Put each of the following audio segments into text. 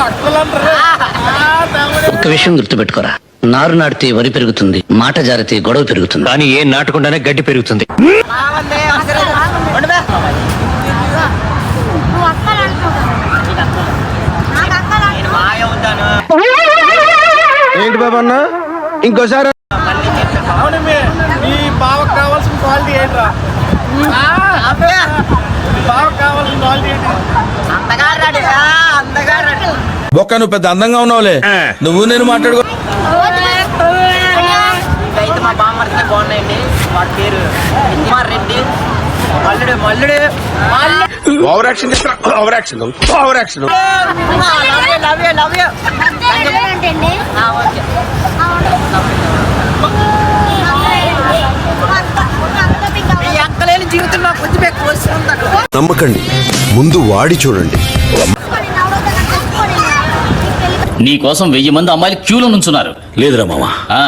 ఒక్క విషయం గుర్తుపెట్టుకోరా, నారు నాటితే వరి పెరుగుతుంది, మాట జారితే గొడవ పెరుగుతుంది, కానీ ఏం నాటకుండానే గడ్డి పెరుగుతుంది. ఏంటి బాబు అన్న ఇంకోసారి ఈ బావకు కావాల్సిన క్వాలిటీ ఏంట్రా? బావకు కావాల్సిన క్వాలిటీ ఏంటి? బొక్క నువ్వు పెద్ద అందంగా ఉన్నావులే, నువ్వు నేను మాట్లాడుకో. అయితే మా బామ్మర్ది బాగున్నాయండి. వాడి పేరు Kumar Reddy. Malludu Malludu over action over action over action. Love you love you. ఈ అక్కలేని జీవితం నాకు కొంచెం ఎక్కువ వస్తుంది. నమ్మకండి, ముందు వాడి చూడండి. నీ కోసం 1000 మంది అమ్మాయిలు క్యూలో నుంచున్నారు. లేదురా మామ,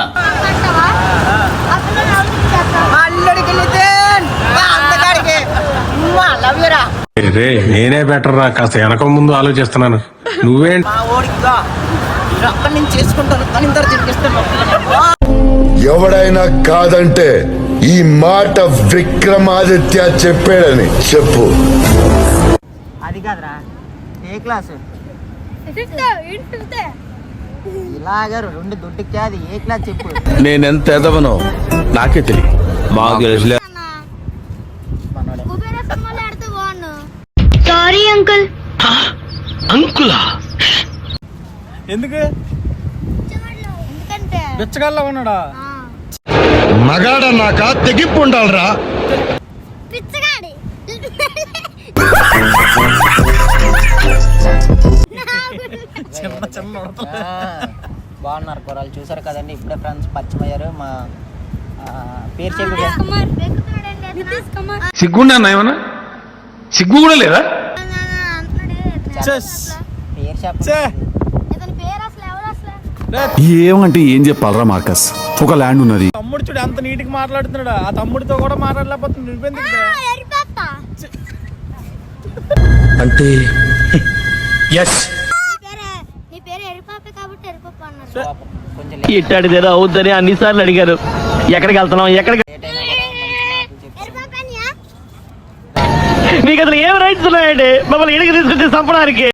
మల్లుడికి నితిన్ అందగాడికి లవ్ యూ రా. నేనే బెటర్ రా, కాస్త వెనక ముందు ఆలోచిస్తున్నాను. నువ్వేంటి మా ఓడికి అక్కడి నుంచి చేసుకుంటాను కానీ ఇంత తిరిగిస్తాను. ఎవడైనా కాదంటే ఈ మాట విక్రమాదిత్య చెప్పాడని చెప్పు. అది కాదురా, ఏ క్లాసు ఇలాగా 2 దొడ్డికి అది ఏ క్లాస్ చెప్పు. నేనెంత ఎదవనో నాకే తెలియదు. మాకు తెలుసులే. Sorry uncle. అంకులా? ఎందుకు బిచ్చగాళ్ళ ఉన్నాడా? మగాడన్నాక తెగింపు ఉండాలరా. బాగున్నారు కూరలు చూసారు కదండి. ఇప్పుడే ఫ్రెండ్స్ పరిచయం అయ్యారు. మా పేరు చెప్పి సిగ్గుండా ఏమన్నా? సిగ్గు కూడా లేదా? పేరు చెప్ప. ఏమంటే ఏం చెప్పాలరా మార్కస్, ఒక ల్యాండ్ ఉన్నది. తమ్ముడు చూడు ఎంత నీటికి మాట్లాడుతున్నాడు. ఆ తమ్ముడితో కూడా మాట్లాడలేకపోతుంది. నువ్వెందుకు అంటే ఎస్ ఇట్టాడిదేదో అవుద్దని అన్నిసార్లు అడిగారు. ఎక్కడికి వెళ్తున్నాం, ఎక్కడికి? మీకు అసలు ఏం రైట్స్ ఉన్నాయండి మమ్మల్ని ఇడికి తీసుకొచ్చి చంపడానికి?